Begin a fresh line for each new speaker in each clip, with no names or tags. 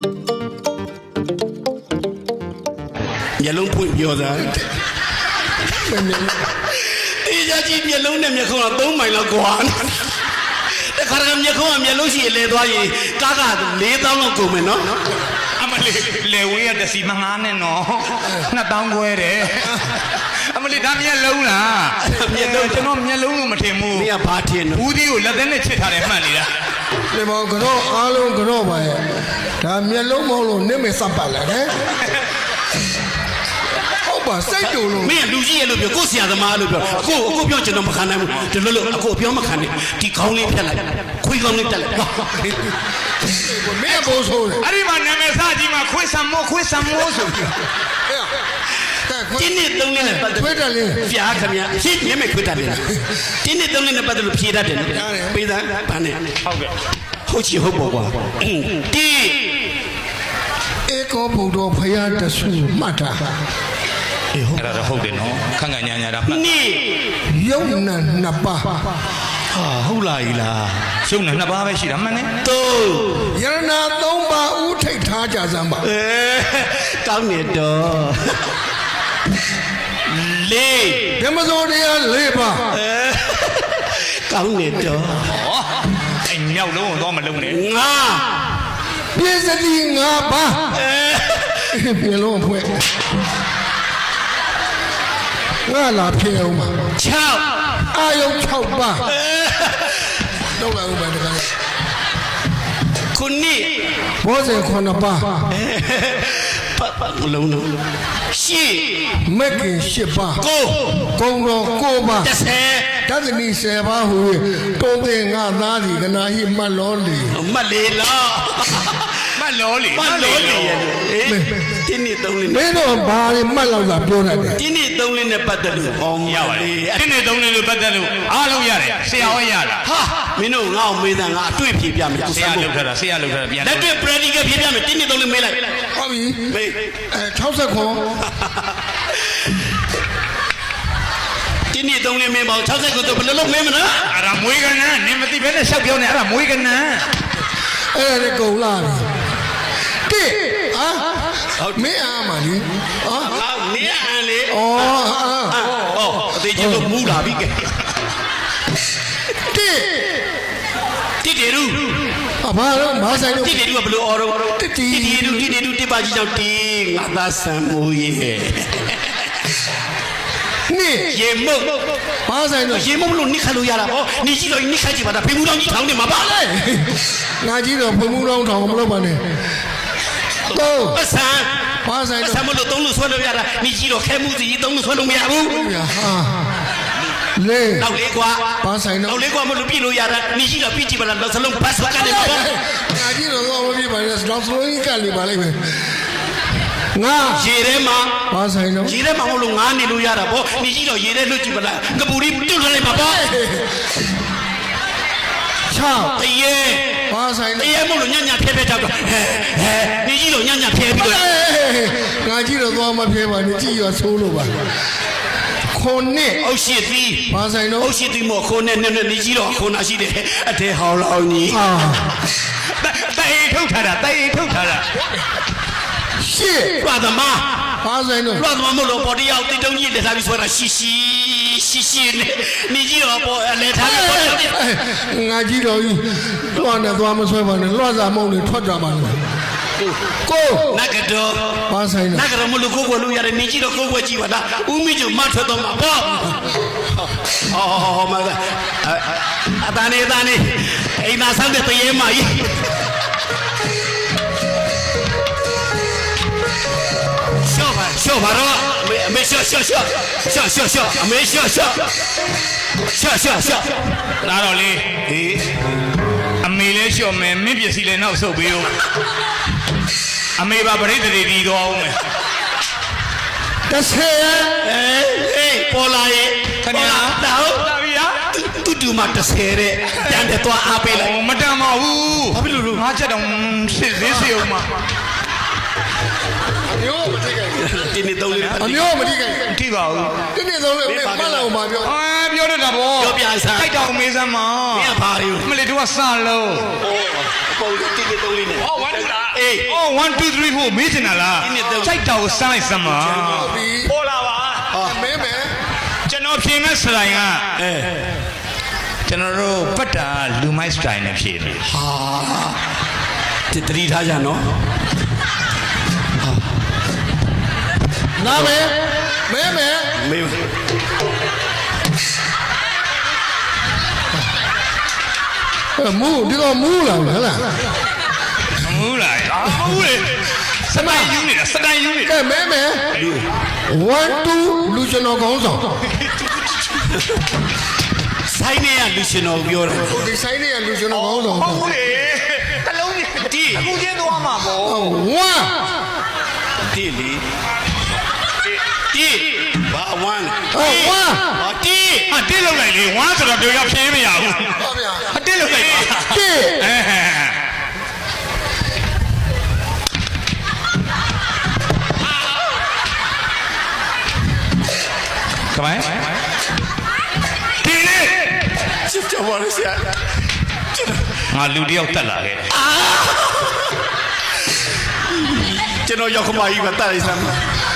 မျက်လုံးဖွင့်ပြောသားအေးကြကြည့်မျက်လုံးနဲ့မျက်ခုံးက3မိုင်လောက်ကွာတခါတည်းမျက်ခုံးကမျက်လုံးရှိလဲသွားရင်ကားက4000လောက်ကုန်မယ်နော်
အမလေးလေဝေးရတစီမငားနဲ့နော်2000ခွဲတယ်အမလေးဒါမျက်လုံးလားမျက်လုံးကျွန်တော်မျက်လုံးလို့မထင်ဘူး
你也怕天呢？
ဦးသီးကိုလက်သက်နဲ့ချစ်ထားတယ်မှန်နေတာ
ဒီမောကတော့အားလုံးကတော့ပါရဲ့ဒါမျက်လုံးမဟုတ်လို့နင့်မေစပ်ပတ်လာတယ်ဟုတ်ပါစိတ်တူလို့
မင်းလူကြီးရဲ့လို့ပြောကိုဆရာသမားလို့ပြောအခုပြောကျွန်တော်မခံနိုင်ဘူးဒီလိုလို့အခုပြောမခံနိုင်ဒီခေါင်းလေးဖြတ်လိုက်ခွေးခေါင်းလေးတက်လိုက်
မင်းဘိုးဆိုးတယ်
အဲ့ဒီမှာနာမည်စကြီးမှာခွေးဆံမိုးဆိုပြီး
တင်းနဲ့သုံးနဲ့ပတ်သက်
ခွေးတယ်လေ
ဖျားခင်ဗျာရှင်းမျက်မှေခွေးတယ်လေတင်းနဲ့သုံးနဲ့ပတ်သက်လို့ဖြေတတ်တယ်နော်ပေးသားဗာနဲ့
ဟုတ်ကဲ့
ဟုတ်ချီဟုတ်ပေါ့ကွာတင်း
ဧကောဘုဒ္ဓဖယားတဆူမှတ်တာ
အေးဟုတ်အဲ့ဒါတော့ဟုတ်တယ်နော်ခန့်ခန့်ညာညာတာမှတ်
နိ
ယုံနာနှစ်ပါး
ဟာဟုတ်လားကြီးလား
ရှုံးနှစ်ပါးပဲရှိတာမှန်တယ်
3
ယရနာ3ပါးဥထိတ်ထားကြစမ်းပါ
ကောင်းနေတော့
4ဓမ္မစိုးတရား4ပါး
ကောင်းနေတော့
ဟောအဲ့မြောက်လုံးတော့မလုံးနဲ့
5
ပြည့်စတိ5ပါးပြေလုံးဖွဲ့ငါလာပြေအောင်ပါ
6
အာယုံ6ပါးတော့လာဦးပါတခါ
ခုနှစ်
ဘောဇင်9ပါး
လုံးရှေ့
မက်ကင်10ပါး
9
ကုံတော်9ပါး
10
တသနီ10ပါးဟူတုံးတဲ့ငါသားဒီကနာဟိမတ်လောလီ
မတ်လေလား
မတ်လောလီ
တင်းနဲ့3လေး
မင်းတို့ဘာတွေမှတ်လောက်တာပြောနေတယ်
တင်းနဲ့3လေးနဲ့ပတ်သက်လို့ဟော
ရပါတယ်တင်းနဲ့3လေးလို့ပတ်သက်လို့အားလုံးရတယ်ဆရာဝဲရတာ
ဟာမင်းတို့ငါ့ကိုမေးတာငါအတွေ့ဖြေပြမယ်
ဆရာလောက်ထားတာပြန်
လက်တွေ့ practical ဖြေပြမယ်တင်းနဲ့3လေးမေးလိုက်
ဟုတ်ပြီ
မေး
60ခွန်
တင်းနဲ့3လေးမေးပါ60ကိုတော့ဘယ်လိုလုပ်မေးမလဲ
အဲ့ဒါမွေးကနန်းနင်မသိဘဲနဲ့ရှောက်ပြောနေအဲ့ဒါမွေးကနန်း
အဲ့ဒါကုံလာပြီမင်းအားမလေး
မင်းအားလေ
ဩ
အသေးချင်းလို့မူးလာပြီကဲတိရူ
ဘာလို့မဆိုင်လို့
တိရူကဘလို့အော်တော့တိရူတိပါကြီးကြောင့်တင်းငါသားဆံမိုးရဲ့
นี่
ရေမုတ်
ဘာဆိုင်လို့
ရေမုတ်လို့နိခတ်လို့ရတာဗောနေကြည့်တော့နိခတ်ကြည့်ပါလားဖေမှုတော်ကြီးထောင်းနေမှာပါလေ
ငါကြည့်တော့ဖေမှုတော်ထောင်းမလုပ်ပါနဲ့တော့
အဆန်
ဘာဆိုင်လို့
ဆံမလို့3လို့ဆွဲလို့ရတာနေကြည့်တော့ခဲမှုစီ3လို့ဆွဲလို့မရဘူး
ဟာလေ
နောက်လေးကွာ
ဘာဆိုင်တော့
နောက်လေးကွာမလို့ပြလို့ရတာနေကြည့်တော့ပြကြည့်ပါလားစလုံးဘတ်စကနေပါဗော
ငါကြည့်တော့မပြပါနဲ့နောက်စလုံးကြီးကလည်းပါလိမ့်မယ်ငါ
ရေထဲမှာ
ဘာဆိုင်တော့
ရေထဲမှာမဟုတ်လို့ငါနေလို့ရတာဗောနေကြည့်တော့ရေထဲလွတ်ကြည့်ပါလားကပူရီတွတ်လွတ်လိုက်ပါဗော
6
တရေ
ဘာဆိုင်
တရေမဟုတ်လို့ညံ့ဖဲကြောက်တော့နေကြည့်တော့ညံ့ဖဲပြီးတော့
ငါကြည့်တော့သွားမဖဲပါနဲ့ကြည့်ရဆိုးလို့ပါခုနှစ်
အုတ်ရှိသီး
ဘာဆိုင်တော့
အုတ်ရှိသီးမို့ခုနှစ်နဲ့နေကြည့်တော့ခုနာရှိတယ်အထဲဟောင်းလောင်းကြီး
တိုင်ထုတ်ထားတာ
ရှစ်
လွှတ်သမား
ဘာဆိုင်တော့
လွှတ်သမားမလို့ပေါ်တရားတိတ်တုံးကြီးလက်ထားပြီးဆွဲတာရှိနဲ့နေကြည့်တော့ပေါ်လက်ထားပြီးပေါ်
ငါကြည့်တော့လွှတ်နဲ့သွားမဆွဲပါနဲ့လွှတ်စာမုံတွေထွက်ကြပါလို့ကို
နဂတော်
ဘာဆိုင်တော့
နဂတော်မလို့ကိုကိုလို့ရတယ်နေကြည့်တော့ကိုကိုကြည့်ပါလားဦးမင်းကျမထွက်တော့မှာပေါ့ဟောမကအတန်းနေအိမ်သာဆောက်တဲ့တရေမကြီးရှော့ပါတော့အမေရှော့အမေရှော့
လာတော့လေအမေလဲရှော့မယ်မင်းပစ္စည်းလဲနောက်ဆုတ်ပေးဦးအမေပါပရိသေတီးသွားအောင်မယ်
30
ပေါ်လာရဲ့
ခင်ဗျာ
တော့လာပြီဟာတူမှ30တဲ့ပြန်တယ်သွားအားပေးလိုက်
မတန်ပါဘူး
ဘာဖြစ်လို့
ငါချက်တော့စစ်သေးအောင်မှာ
အမျိုးမထိခိုက်ဘူး
တင်းနေသုံးလေး
အမျိုးမထိခိုက်
ထိပါဘူး
တင်းနေဆုံးလေးမင်းမလာအောင်မပြော
ပြောတတ်တာဗော
ပြောပြစမ်း
ခိုက်တောင်မေးစမ်းမ
မင်းကဘာတွေ
မလေးတို့ကစလုံး
အပေါ်တင်းနေသုံးလေးနဲ့ဟောဝမ်းတာအေး
အော်1 2 3 4မေးချင်တာလား
ဒီနေ့တော့
ခိုက်တောင်ကိုစမ်းလိုက်စမ်းမ
ဟုတ်ပြီ
ပေါ်လာပါ
မင်းမယ်
ကျွန်တော်ဖြေမဲ့စတိုင်က
အဲ
ကျွန်တော်တို့ပတ်တာလူမိုက်စတိုင်နဲ့ဖြေတယ်
ဟာတတိထားကြနော်
နားမယ်မင်းမယ်
မေး
မူဒီတော့မူလာဟလား
မူးလားမူးလေစတိုင်ယူနေတာစတိုင်ယူနေ
ကဲမင်းမယ်1 2လူကျွန်တော်ကောင်းဆောင်
ဆိုင်နေရလူရှင်တော်ပြောတယ်
ဒီဆိုင်တွေကလူကျွန်တော်ကောင်းဆောင်
ဟုတ်ဘူးလေတလုံးကြီးဒီအခုချင်းသွားမှာဗော
1
တိလီတိဘာဝမ်း
ဟုတ်1
ဟာတိ
ဟာတစ်လောက်လိုက်လေ1ဆိုတော့တို့ရောက်ဖြေးမရဘူး
ဟုတ်ဗျာ
အတစ်လောက်လိုက်ပါ
1
ကမိုင်းဒီလေ
ချစ်ချပါလို့ဆရာ
ငါလူတယောက်တက်လာခဲ့တယ်
ကျွန်တော်ရောက်ခမကြီးကတတ်လိုက်စမ်း
2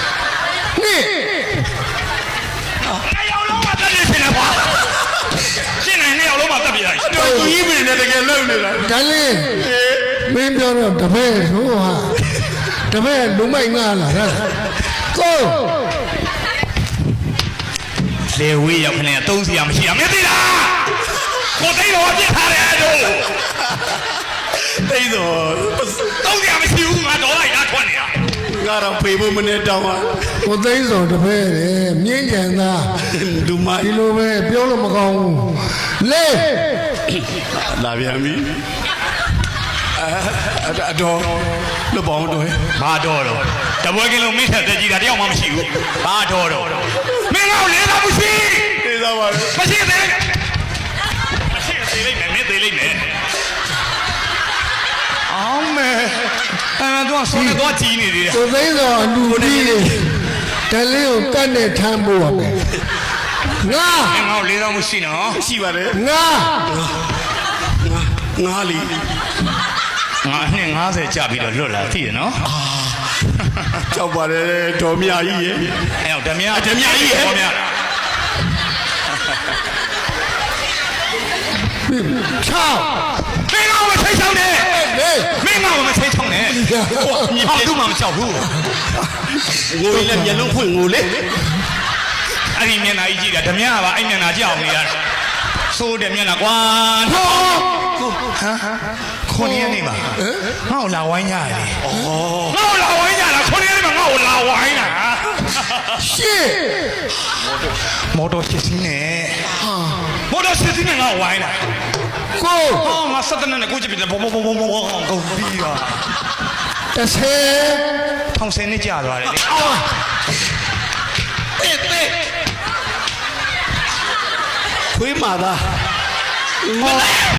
နှစ်ယောက်လုံးမတက်ရရှင်လေကွာရှင်းနေနှစ်ယောက်လုံးမတက်ပြလိုက်
တော်သူကြီးမင်းနဲ့တကယ်လုံနေတာ
ဒါလေးမင်းပြောတော့တပည့်ဆိုဟာတပည့်လူမိုက်ငါလာဟဲ့ကို
လေဝေးရောက်ခနဲ့သုံးစီရမရှိရမသိလားကိုသိတော့ပြစ်ထားတယ်တို့
တိတ်တော့
သုံးစီရမရှိဘူးငါတော့လိုက်တာထွက်နေတာ
ငါတော့ဖေဖို့မနဲ့တောင်းပါ
ကိုသိန်းစောတပည့်လေမြင်းကြံသား
လူမ
ဒီလိုပဲပြောလို့မကောင်းဘူးလေ
လာပြန်ပြီအတော်လွတ်ပေါင်းတော့
ဘာတော့တပွဲကင်းလုံးမင်းထက်တက်ကြည့်တာတယောက်မှမရှိဘူးဘာတော့မင်းကောလေးတော့မရှိ
သိသားပါလေ
မရှိသေးမရှိသေးလိမ့်မယ်မင်းသေးလိမ့်မယ်အောင်မဲအဲ့တော့ဆိုးတော့ကြီးနေသေးတယ်
ကိုသိန်းစောအလူကြီးလေတလေးကိုကတ်နဲ့ထမ်းဖို့ရမယ်ငါ
မင်းကောလေးတော့မရှိနော်
ရှိပါတယ်
ငါ
ငါလီ
ငါနှစ်90ကြာပြီးတော့လွတ်လာသိရနော်
ကြောက်ပါတယ်တော်မြကြီးရဲ့
အဲ့တော့ဓမြ
ဓမြကြီးရဲ့
ဓမြ
ချောင်း
မင်းကောမထိတ်ချောင်းနဲ့
လေ
မင်းကောမထိတ်ချောင်းနဲ့ဟောသူမှမကြောက်ဘူး
ငိုရင်လည်းမျက်လုံးဖွင့်ငိုလေ
အဲ့ဒီမျက်နှာကြီးကြည့်တာဓမြကပါအဲ့မျက်နှာကြောက်နေရဆိုးတယ်မျက်နှာကွာဟမ်ခွန်ရနေပါငါ့ကိုလာဝိုင်းကြရတယ်
ဩ
ငါ့ကိုလာဝိုင်းကြတာခွန်ရနေမှာငါ့ကိုလာဝိုင်းတာ
ရှေ့
မော်တော်ရှစ်စီးနဲ့မော်တော်ရှစ်စီးနဲ့ငါ့ကိုဝိုင်းတာ
ကို
ဟောငါစက်တနဲ့ကိုကြည့်ပြီးဘောကုန်ပြီးတော့
30
ထောင်ဆယ်နှစ်ကြာသွားတယ်လေ
ခွေးမာသား